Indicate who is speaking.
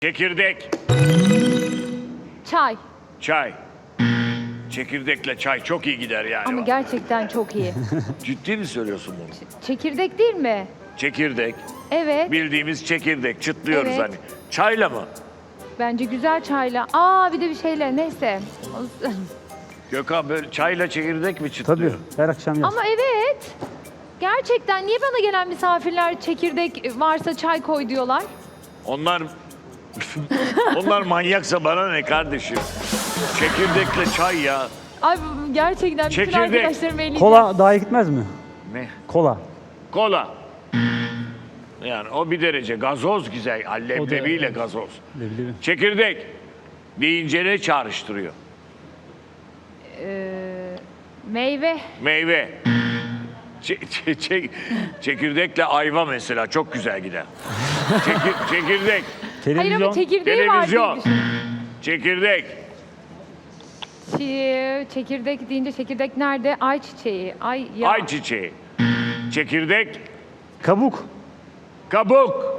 Speaker 1: Çekirdek.
Speaker 2: Çay.
Speaker 1: Çay. Çekirdekle çay çok iyi gider yani.
Speaker 2: Ama gerçekten çok iyi.
Speaker 1: Ciddi mi söylüyorsun bunu?
Speaker 2: Çekirdek değil mi?
Speaker 1: Çekirdek.
Speaker 2: Evet.
Speaker 1: Bildiğimiz çekirdek. Çıtlıyoruz
Speaker 2: Evet.
Speaker 1: hani. Çayla mı?
Speaker 2: Bence güzel çayla. Aa bir de bir şeyle neyse.
Speaker 1: Gökhan böyle çayla çekirdek mi
Speaker 3: Tabii
Speaker 1: çıtlıyor?
Speaker 3: her akşam yaz.
Speaker 2: Ama evet. Gerçekten niye bana gelen misafirler çekirdek varsa çay koy diyorlar?
Speaker 1: Onlar onlar manyaksa bana ne kardeşim? Çekirdekle çay ya.
Speaker 2: Ay gerçekten bütün
Speaker 1: Çekirdek.
Speaker 2: arkadaşlarım eleyeceğim.
Speaker 3: Kola daha iyi gitmez mi?
Speaker 1: Ne?
Speaker 3: Kola.
Speaker 1: Kola. Yani o bir derece. Gazoz güzel. Leblebiyle
Speaker 3: evet.
Speaker 1: gazoz.
Speaker 3: Leblebi.
Speaker 1: Çekirdek deyince ne çağrıştırıyor?
Speaker 2: Meyve.
Speaker 1: Meyve. Çekirdekle ayva mesela çok güzel gider. Çekirdek.
Speaker 2: Hayır ama
Speaker 3: Televizyon.
Speaker 2: çekirdeği var diye
Speaker 1: Televizyon.
Speaker 2: düşün.
Speaker 1: Çekirdek.
Speaker 2: Çekirdek deyince çekirdek nerede? Ayçiçeği. Ay ya.
Speaker 1: Ayçiçeği. Çekirdek.
Speaker 3: Kabuk.
Speaker 1: Kabuk.